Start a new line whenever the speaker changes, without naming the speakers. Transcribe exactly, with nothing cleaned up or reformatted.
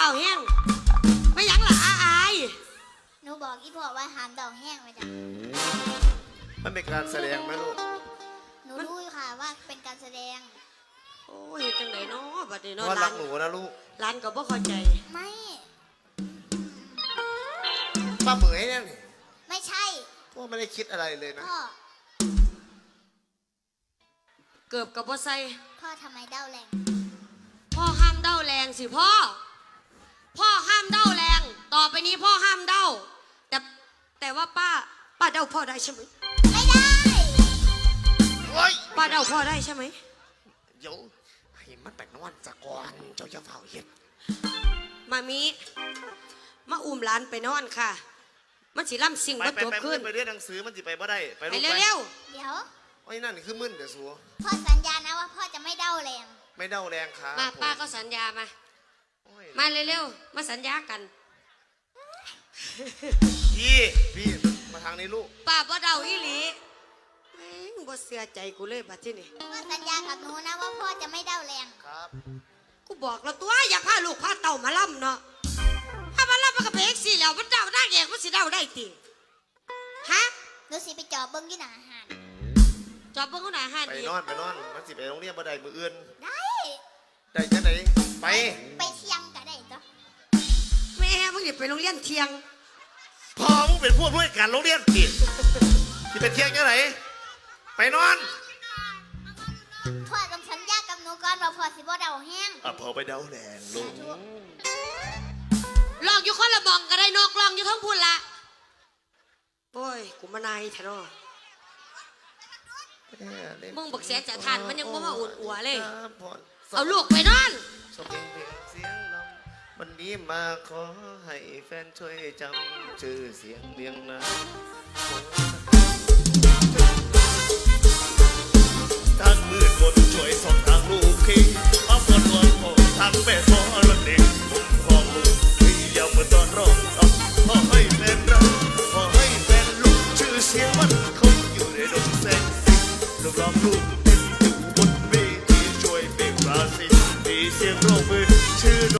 าแห้งไม่ยังล่ะอาอาย
หนูบอกอีพ่อว่าห้ามเดาแห้งไว้จ้ะ
มันเป็นการแสดงไหมลูก
หนูรู้ค่ะว่าเป็นการแสดง
โอ้ยจังไหนเนาะบัดนี้เนาะ
ว่ารักหนูนะลูก
ร้านก็บ่เข้าใจ
ไม่
ป้าเหมยเนี่ย
ไม่ใช่
พ่อไม่ได้คิดอะไรเลยนะ
พ่อ
เกือบกับบ่ใส่
พ่อทำไมเด้าแรง
พ่อห้ามเด้าแรงสิพ่อพ่อห้ามเด้าแรงต่อไปนี้พ่อห้ามเด้าแต่แต่ว่าป้าป้าเด้าพ่อได้ใช่ไหม
ไม่ได้
ป้าเด้าพ่อได้ใช่ไหม
เดี๋ยวให้มันไปนอนซะก่อนเจ้าจะเฝ้าเห็ด
มามีมาอุ้มหลานไปนอนค่ะมันสิล่ำสิ่งบ่จบขึ้น
ไปเรียนหนังสือมันสิไปบ่ได้ไป
เร็วเร็ว
เดี๋ยว
ไอ้นั่นคือมึนเดี๋ยวสัว
พ่อสัญญานะว่าพ่อจะไม่เด้าแรง
ไม่เด้าแรงค่ะ
มาป้าก็สัญญามามาเร็วๆมาสัญญากัน
พี่พี่มาทางนี้ลูก
ป้าบ่เด้าอีหลีแม่งบ่เสียใจกูเลยบัดที่นี่
พ่อสัญญากับหนูนะว่าพ่อจะไม่เด้าแรง
ครับ
กูบอกแล้วตัวอย่าพาลูกพาเต่ามาล่ำเนาะถ้ามาล่ำมันก็เบรกสิแล้วมันเด้าได้เองมันสิเด้าได้ติฮะ
หนูสิไปจอบเบิ้งยี่หน้าอาหาร
จอบเบิ้งที่ไหนอาหาร
ไปนอนไปนอนมันสิไปโรงเรียนบ่ได้มืออื่น
ได้
ได้จังไหนไป
ไปเที่ยงก็ได้จ้ะ
แม่มึงอย่าไปโรงเรียนเที่ยง
พอมึงเป็นผู้ด้วยการโรงเรียนผิดที่เป็นเที่ยงจังไหนไปนอน
พ่อต้องสัญญากับหนูก่อนว่าพ่อสิบ่เด้าแห้ง
อ่ะพอไปเด้าแรงลูก
ลองอยู่คนละมองก็ได้นกลองอยู่ทั้งพูนละโอ้ยกูมานายแท้เนาะมึงบักเสียจะทานมันยังบ่มาอุ่นอัวเลยเอาลูกไปนอน
สบเพลงเสียงลำวันนี้มาขอให้แฟนช่วยจำชื่อเสียงเรียงนาม